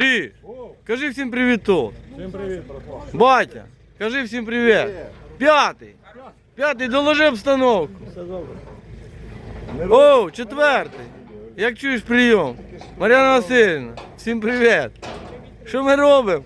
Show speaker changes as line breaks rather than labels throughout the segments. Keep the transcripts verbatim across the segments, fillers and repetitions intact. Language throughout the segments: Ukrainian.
Грі, кажи всім привіт тут.
Всім привіт, братва.
Батя, кажи всім привіт. П'ятий. П'ятий, доложи обстановку.
Все добре.
О, четвертий. Як чуєш прийом? Мар'яна Васильівна, всім привіт. Що ми робимо?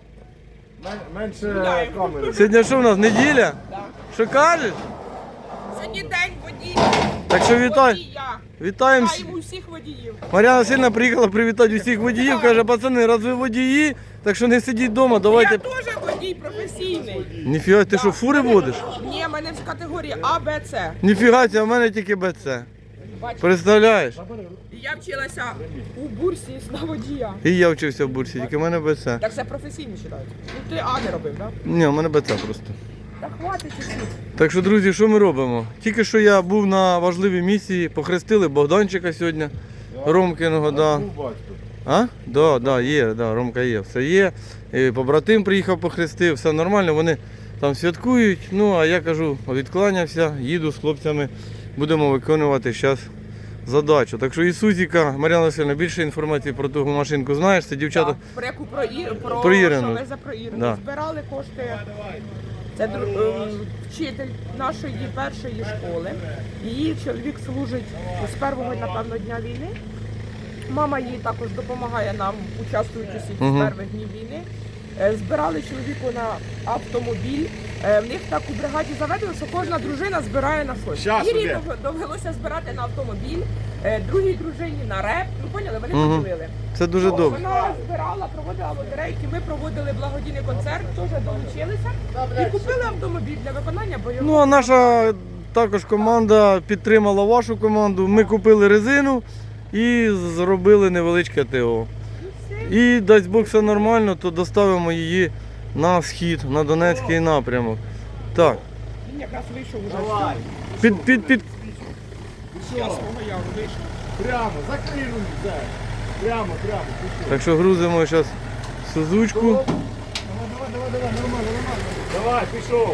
Менше камери.
Сьогодні що в нас, неділя? Що кажеш?
Сьогодні день водія.
Так що вітай.
Водія.
Вітаємо.
Вітаємо усіх водіїв.
Мар'яна Васильівна приїхала привітати усіх водіїв. Каже, пацани, раз ви водії, так що не сидіть вдома, давайте.
Я теж водій професійний.
Ніфіга, ти що, фури водиш?
Ні, в мене в категорії А, Б, С.
Ніфіга, а в мене тільки БЦ.
Бачиш,
Представляєш?
я вчилася у бурсі на водія.
І я вчився в бурсі, тільки в мене БЦ.
Так це професійно вважають. Ну ти А не робив, так?
Ні, у мене БЦ просто.
Та хватить чуть-чуть.
Так що, друзі, що ми робимо? Тільки що я був на важливій місії, похрестили Богданчика сьогодні, Ромкиного, да.
Був батько.
А? Да, да, є, да, Ромка є, все є. І побратим приїхав похрестив, все нормально, вони там святкують. Ну, а я кажу, відкланявся, їду з хлопцями, будемо виконувати зараз задачу. Так що Ісусіка, Мар'яна Васильівна, більше інформації про ту машинку знаєш, це дівчата.
Так, про яку про, Ір, про,
Про Ірину.
що ви за про Ірину.
Да.
Збирали кошти. Це дру- е, вчитель нашої першої школи. Її чоловік служить з першого, напевно, дня війни. Мама їй також допомагає нам, участвуючи з
Мгм.
перших днів війни. Е, Збирали чоловіку на автомобіль. Е, В них так у бригаді заведено, що кожна дружина збирає на щось.
Щас
Ірі
іде.
дов- довелося збирати на автомобіль, е, другій дружині на реп. Ну поняли, вони
Мгм.
поділили.
Це дуже
Ну,
добре.
Вона збирала, проводила лотерейки, ми проводили благодійний концерт, теж долучилися і купили автомобіль для виконання бойових.
Ну, а наша також команда підтримала вашу команду. Ми купили резину і зробили невеличке ТО. І дасть Бог все нормально, то доставимо її на схід, на Донецький напрямок. Так,
Він якраз вийшов уже.
Давай.
під, під, під.
Я свого яру вийшов.
Прямо, закрий руки, Зай. Прямо, прямо, пішов.
Так що грузимо зараз сузучку.
Давай, давай, давай, давай, нормально, нормально. Давай, пішов.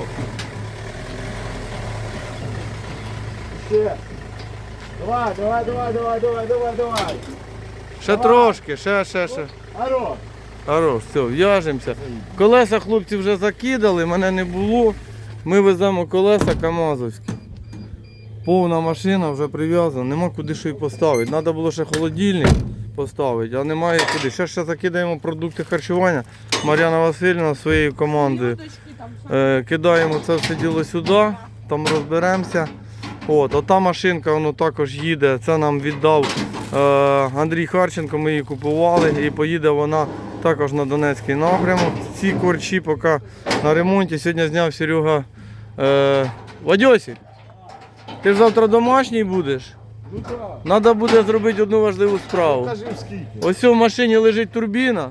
Ще. Давай, давай, давай, давай, давай, давай, давай.
Ще трошки, ще, ще, ще.
Аро.
Хорош, все, в'яжемося. Колеса хлопці вже закидали, мене не було. Ми веземо колеса камазовські. Повна машина вже прив'язана, нема куди що й поставити. Треба було ще холодильник поставити, а немає куди. Ще ще закидаємо продукти харчування. Мар'яна Васильівна своєю командою.
Дочки там що?
Е, кидаємо це все діло сюди, там розберемося. От, ота машинка воно також їде, це нам віддав е, Андрій Харченко, ми її купували і поїде вона також на Донецький напрямок. Ці корчі поки на ремонті. Сьогодні зняв Серега е, Вадьосик. Ти ж завтра домашній будеш?
Ну так.
Треба буде зробити одну важливу справу.
Кажи скільки.
Ось в машині лежить турбіна.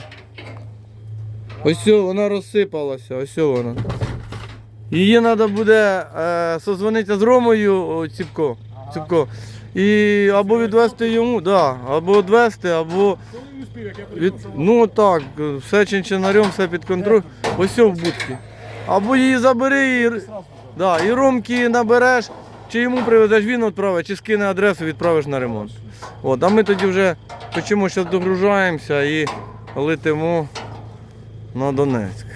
Ось вона розсипалася, ось вона. Її треба буде е, созвонитися з Ромою о, Ціпко, Ціпко. І або відвезти йому, да, або відвезти, або від, ну так, все чинчинарем, все під контроль. Ось в будці. Або її забери і, да, і Ромки набереш, чи йому привезеш, він відправить, чи скине адресу, відправиш на ремонт. От, а ми тоді вже почому зараз догружаємося і летимо на Донецьк.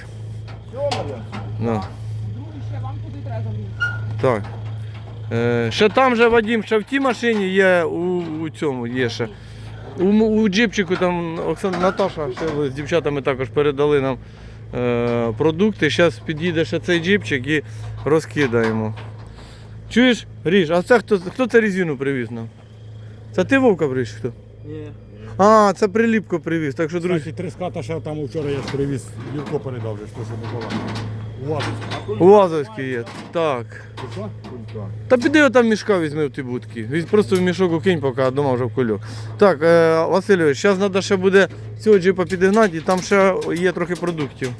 Да.
Другий ще вам куди треба замінити.
Так. Е, ще там же Вадим, ще в тій машині є у, у цьому є ще. У, м- у джипчику там Оксана Наташа ще з дівчатами також передали нам е, продукти. Зараз під'їде ще цей джипчик і розкидаємо. Чуєш, Ріж, а це хто, хто це резину привіз нам? Це ти, Вовка, привіз? Хто?
Ні.
А, це Приліпко привіз. Так що, друзі,
Кстати, три ската ще там вчора я ж привіз, Юрко передав, вже, що Микола. Увазить.
Уазовський є. Так.
Що?
Та піди отам мішка візьми в ті будки. Візь просто в мішок укинь, поки а дома вже в кульок. Так, е, Васильович, зараз треба ще буде цього джипа підігнати і там ще є трохи продуктів.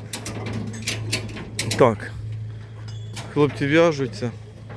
Так. Хлопці в'яжуться.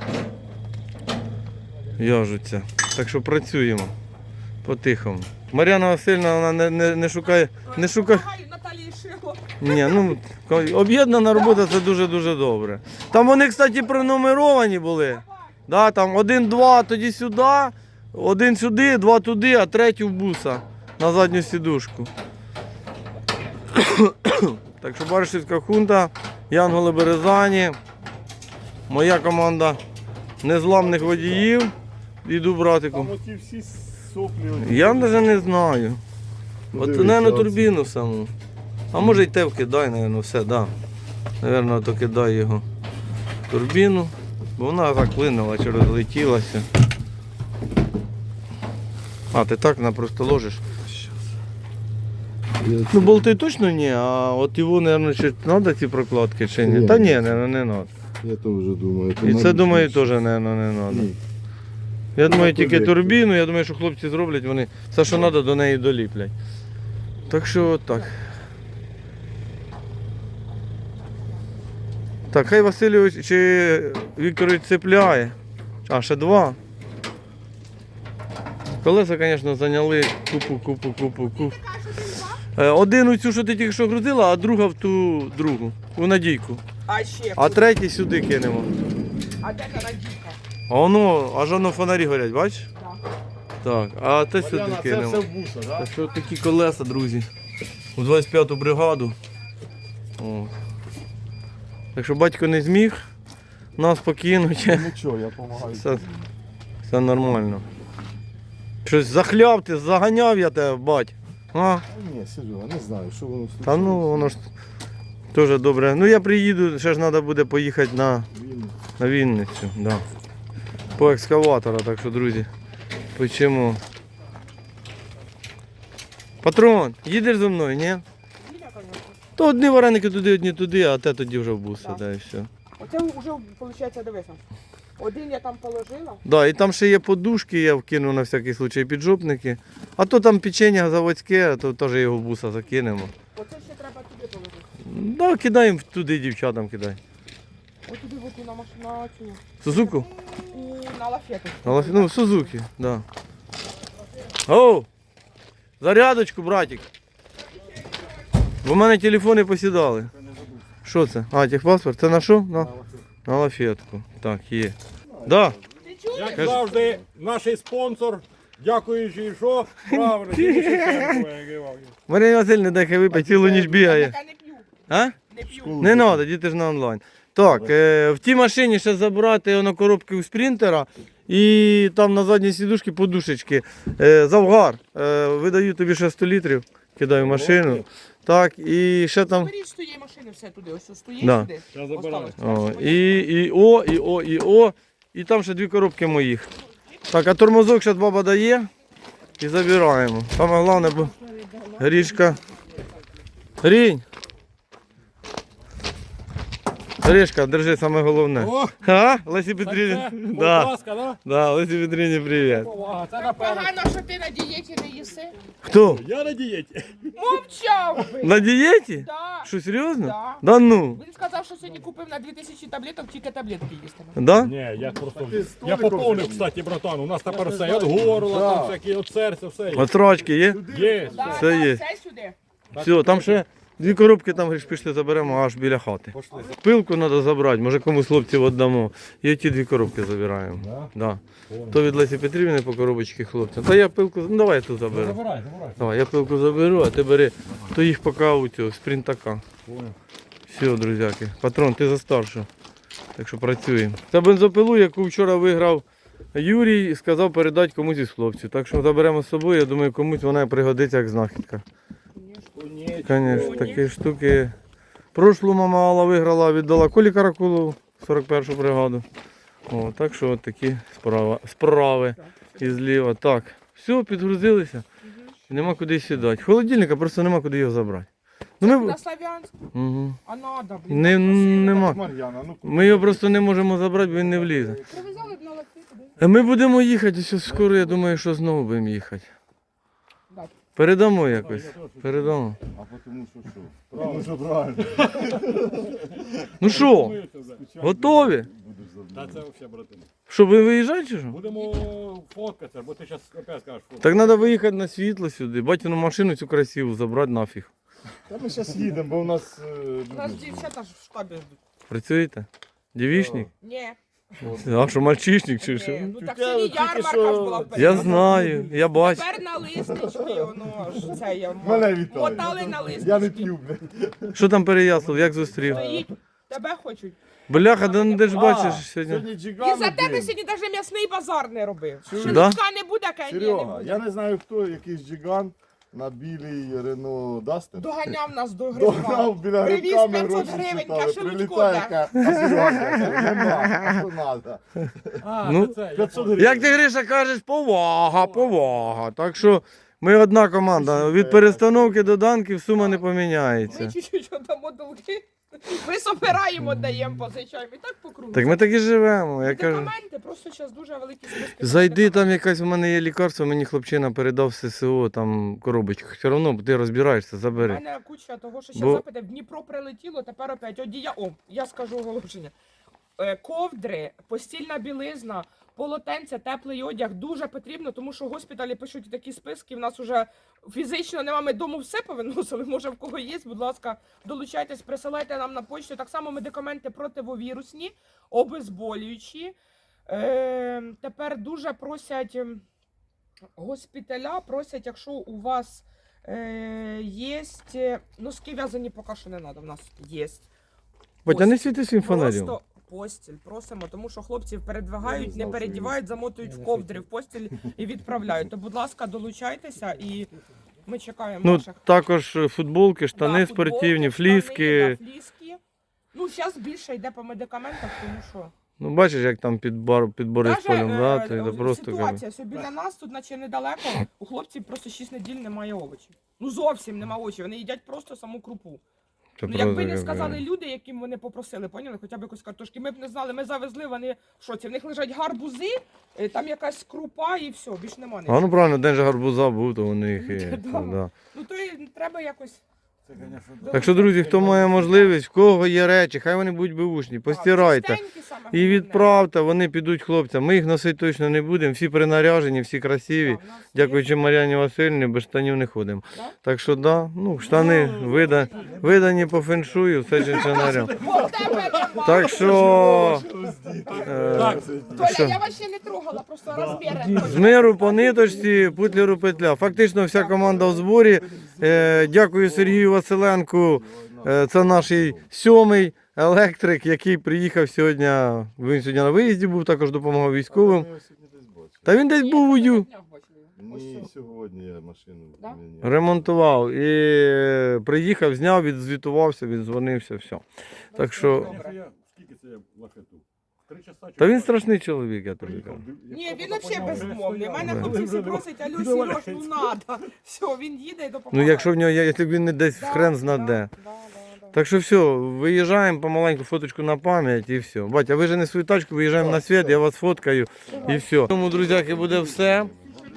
В'яжуться. Так що працюємо. По-тихому. Мар'яна Васильівна, вона не, не, не шукає. Не шукає.
Помагаю Наталії Шило.
Ні, ну об'єднана робота це дуже-дуже добре. Там вони, кстати, пронумеровані були. Да, там один-два, тоді сюди, один сюди, два туди, а третій в буса на задню сідушку. Так що Баришівська хунта, Янголи Березані, моя команда незламних водіїв. Іду братику.
Там оті всі соплі. оті.
Я навіть не знаю. От,
Дивіться,
наверно,
оце.
турбіну саму. А може й те вкидай, наверно, все, да. Наверно, то кидай його в турбіну, бо вона заклинила чи розлетілася. А, ти так на просто ложиш? Ну, болти точно ні, а от його, мабуть, чи треба ці прокладки чи ні?
Ні.
Та ні, мабуть, не треба.
Я то вже думаю.
І це, думаю, теж, мабуть, не треба.
Ні.
Я думаю, тільки
колектор.
турбіну, я думаю, що хлопці зроблять, вони все, що треба, до неї доліплять. Так що от так. Так, хай Васильович чи Вікторович цепляє. А, ще два. Колеса, звісно, зайняли купу, купу, купу, купу. Е, Один у цю, що ти тільки що грузила, а друга в ту другу, у Надійку.
А ще
А третій сюди кинемо.
А де та Надійка?
А воно, аж воно фонарі горять, бачиш?
Так.
Так, а те сюди
Мар'яна, це
кинемо.
все в буса,
Так
так?
що такі колеса, друзі. У двадцять п'яту бригаду. О. Так що батько не зміг нас покинути.
Нічого, я допомагаю.
Все, все нормально. Щось захляв ти, заганяв я тебе, бать. А?
Ні, Серега, не знаю, що воно случилось.
Та ну воно ж теж добре. Ну я приїду, ще ж треба буде поїхати на,
Він
на Вінницю. Да. По екскаватора, так що, друзі, почему? Патрон, їдеш зі мною, ні?
Біля, звісно.
То одні вареники туди, одні туди, а те тоді вже в буса,
Так.
да, і все.
Оце вже, виходить, дивися. Один я там положила.
Да, і там ще є подушки, я вкину на всякий случай піджопники. А то там печення заводське, то теж його в буса закинемо.
Оце ще треба туди положити.
Да, кидаємо туди дівчатам, кидай.
Ось туди от на машину цю.
Сузуку?
У, на лафету.
На лафі- Ну, Сузуки, да. Оу! Зарядочку, братик. Бо в мене телефони посідали. Що це? А, техпаспорт? Це на що? На, на лафетку. Так, є. Да.
Ти чуєш?
Як
Кажи.
завжди, наш спонсор, дякуючи, що правильно, тільки Шевченко, як і вам.
Марія Васильівна, дай хай випить, цілу ніч бігає.
Я не п'ю.
А?
Не п'ю.
Не треба, діти ж на онлайн. Так, е, в тій машині ще забрати воно коробки у спринтера і там на задній сідушці подушечки. Е, Завгар. Е, видаю тобі ще сто літрів, кидаю в машину. Так, і ще там.
Беріть з тієї машини все туди, ось стоїть
Да.
сюди.
Я забираю.
Осталось.
О, і, і О, і О, і О. І там ще дві коробки моїх. Так, а тормозок зараз баба дає і забираємо. Саме головне, бо Грішка. Грінь. Грішка, держи саме головне.
О,
А, Лесі Петрівні?
це, будь
Да,
ласка, да?
да, Лесі Петрівні, привіт.
Повага, це напевно.
Погано, що ти на дієті не їси.
Хто?
Я на дієті.
Мовчав би.
На дієті?
Да.
Що, серйозно?
Да.
Да ну.
Він сказав, що сьогодні купив на дві тисячі таблеток, тільки таблетки їстиме.
Да?
Ні, я просто,
Ти з
я
Толиком
поповнив,
вже-
кстати, братан, у нас тепер все, і от горла,
Да.
там всякі, от серця, все є.
От строчки є?
Є.
Да,
Все
да,
є.
Все сюди.
Все, там ще дві коробки там говориш, пішли заберемо аж біля хати. Пилку треба забрати, може комусь хлопців віддамо. І ті дві коробки забираємо.
Да?
Да. То від Лесі Петрівни по коробочці хлопцям. Та я пилку, ну давай я тут заберу.
Забирай, забирай.
Давай, я пилку заберу, а ти бери, то їх поки у цього спринтака.
Понял.
Все, друзяки. Патрон, ти за старшу. Так що працюємо. Та бензопилу, яку вчора виграв Юрій, сказав передати комусь із хлопців. Так що заберемо з собою, я думаю, комусь вона пригодиться як знахідка. Звісно, такі штуки. Прошлу мама Алла виграла, віддала Колі Каракулову, сорок першу бригаду. О, так що от такі справи, справи із ліва. Так, все, підгрузилися. Нема куди сідати. Холодильника просто нема куди його забрати. Ну, ми...
На Славянськ,
Угу.
а надо, блін.
Не, нема.
Мар'яна, ну
Ми його просто не можемо забрати, бо він не влізе.
Привезали б на лафету, да?
А ми будемо їхати, ось скоро, я думаю, що знову будемо їхати.
Да.
Передамо якось. Передамо.
а тому що що? Правильно, що правильно.
Ну що, готові?
Та це взагалі, братан.
Що, ви виїжджаєте чи що?
Будемо фоткатися, бо ти зараз опять скажеш фото.
Так треба виїхати на світло сюди, батькину машину цю красиву забрати нафіг.
Та ми зараз їдемо, бо у нас... е,
У нас дівчата ж в штабі ждуть.
Працюєте? Дівічник?
Ні.
А що, мальчишник чи що?
Е, Ну так
Я
сьогодні
тільки
ярмарка
що-
ж була в
Я
Перегляді.
знаю, я бачу.
Тепер на листочки, воно ж це я
Мене вітаю.
мотали на
Я не
листочки.
п'ю, блядь.
Що там Переяслав, як зустрів?
Стоїть, тебе хочуть.
Бляха, да ну, де ж
А,
бачиш сьогодні?
Сьогодні
І
джиган
за тебе
один.
сьогодні навіть м'ясний базар не робив. Що
Да?
лучка не буде, кай ні, не
Серега,
буде.
я не знаю хто, якийсь джиган на білій Рено Дастер.
Доганяв нас до
Догнав
гриба.
біля
Привіз
грибками
п'ятсот
гроші
гривень,
читали.
каже, лучко,
Прилітає,
да.
каже, а Серега, каже, нема, а що надо?
А,
Ну,
це це, я
п'ятсот
понял.
гривень.
Як ти, Гриша, кажеш, повага, повага. Так що ми одна команда. Від перестановки до данків сума не
Ми
поміняється.
чуть-чуть дамо долги. Ми собираємо, даємо, позичаємо. І так по кругу.
Так ми так і живемо. Я кажу,
Медикаменти, просто зараз дуже великі списки.
зайди там якась, у мене є лікарство, мені хлопчина передав з ССО, там коробочку. Все одно ти розбираєшся,
У
забери.
мене куча того, що ще
Бо-
запити. В Дніпро прилетіло, тепер опять одія. О, я скажу оголошення. Е, Ковдри, постільна білизна, полотенця, теплий одяг дуже потрібно, тому що госпіталі пишуть такі списки. В нас вже фізично нема, ми дому все повиносили. Може, в кого є, будь ласка, долучайтесь, присилайте нам на почту. Так само медикаменти противовірусні, обезболюючі. Е, тепер дуже просять ем, госпіталя, просять, якщо у вас е, є носки в'язані, поки що не треба, в нас є.
Батя, не світи своїм фонарем.
Просто постіль просимо, тому що хлопців передвигають,
знав,
не
що
передівають, замотують в ковдри, в постіль і відправляють. То, будь ласка, долучайтеся і ми чекаємо
Ну,
наших.
також футболки, штани
Да,
спортивні,
футболки,
фліски.
штани, да, фліски. Ну, зараз більше йде по медикаментах, тому що
Ну, бачиш, як там під, бар, під Борисполем,
Даже,
да?
е,
Ти,
е,
да, просто кажу.
ситуація, що біля нас тут, наче недалеко, у хлопців просто шість неділь немає овочів. Ну зовсім немає овочів, вони їдять просто саму крупу.
Це
Ну,
правда,
якби не
як
сказали
кажу.
люди, яким вони попросили, поняли, хоча б якусь картошки, ми б не знали, ми завезли, вони в шоці. В них лежать гарбузи, е, там якась крупа і все, більш нема
А
нічого.
ну правильно, день же гарбуза був, то вони їх і.
Да.
Да.
Ну то і треба якось.
Це, конечно,
Так що, друзі, хто має можливість, в кого є речі, хай вони будуть беушні, постирайте.
Чистенькі саме
І
головне.
відправте, вони підуть хлопцям. Ми їх носити точно не будемо, всі принаряжені, всі красиві.
Да, в нас є.
Дякуючи Мар'яні Васильівні, без штанів не ходимо.
Да?
Так що да, ну штани вида, видані по феншую, все чинчинарям.
Бо в тебе нема.
Так що е,
Так,
Толя, я вас ще не трогала, просто розміри.
з миру по ниточці, путлеру петля. Фактично вся команда в зборі. Е, Дякую Сергію Василенку. Е, Це наш сьомий електрик, який приїхав сьогодні. Він сьогодні на виїзді був, також допомагав військовим.
Я сьогодні десь бачив.
Та він десь був у Ю.
Ні, сьогодні я машину
Да?
міняв.
Ремонтував і е, приїхав, зняв, відзвітувався, віддзвонився, все. Так що,
Якщо я- Скільки це я лахету? Три часа?
та він страшний чоловік, я тобі кажу.
Ні, він взагалі безмовний. У мене
Да.
хлопці всі просять, алло, Сереж, ну надо. Все, він їде і
Ну
допомагає.
якщо в нього є, як він не десь
Да,
хрен зна
да,
де.
да, да, да.
Так що все, виїжджаємо помаленьку фоточку на пам'ять і все. Батя, вижени свою тачку, виїжджаємо на світ, я вас фоткаю і все. Тому, друзяки, буде все.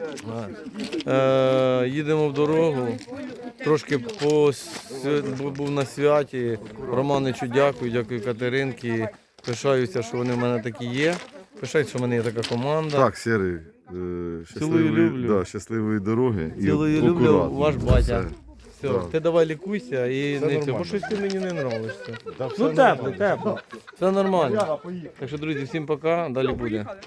Е, їдемо в дорогу. Трошки по, свя- бу- був на святі. Романичу дякую, дякую Катеринці. Пишаюся, що вони в мене такі є. Пишаюся, що в мене є така команда.
Так, Сірий, е, щасливої,
люблю.
да, щасливої дороги. і
Цілую люблю,
акуратно.
ваш батя.
Все.
Все,
Так.
ти давай лікуйся і
Все
не це,
нормально.
бо щось ти мені не нравишся.
Да, все
Ну тепло,
нормально.
тепло. Все нормально.
Яна, поїхали.
Так що, друзі, всім пока, далі буде.
Поїхали.